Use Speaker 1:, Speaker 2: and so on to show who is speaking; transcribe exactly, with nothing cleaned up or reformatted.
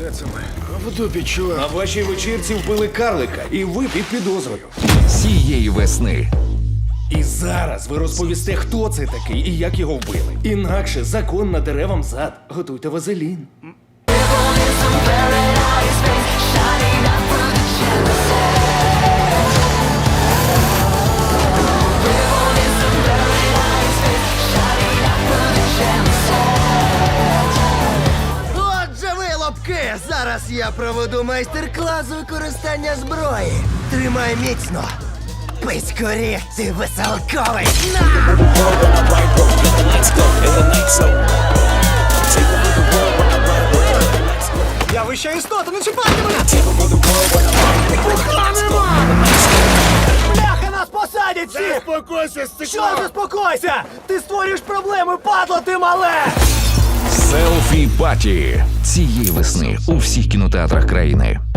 Speaker 1: Де це ми? В дупі, чувак.
Speaker 2: На вашій вечірці вбили карлика, і ви під підозрою.
Speaker 3: Цієї весни
Speaker 2: І зараз ви розповісте, хто це такий і як його вбили. Інакше закон наdeре вам зад. Готуйте вазелін.
Speaker 4: Отже, вилупки! Зараз я проведу майстер-клас з використання зброї. Тримай міцно. Писькорі, ти веселковий. На!
Speaker 1: Я вища істота, не чіпайте мене! Бляха, нас посадять всі!
Speaker 5: Заспокойся, стекло!
Speaker 1: Що заспокойся? Ти створюєш проблеми, падло ти мале!
Speaker 3: селфі паті цієї весни у всіх кінотеатрах країни.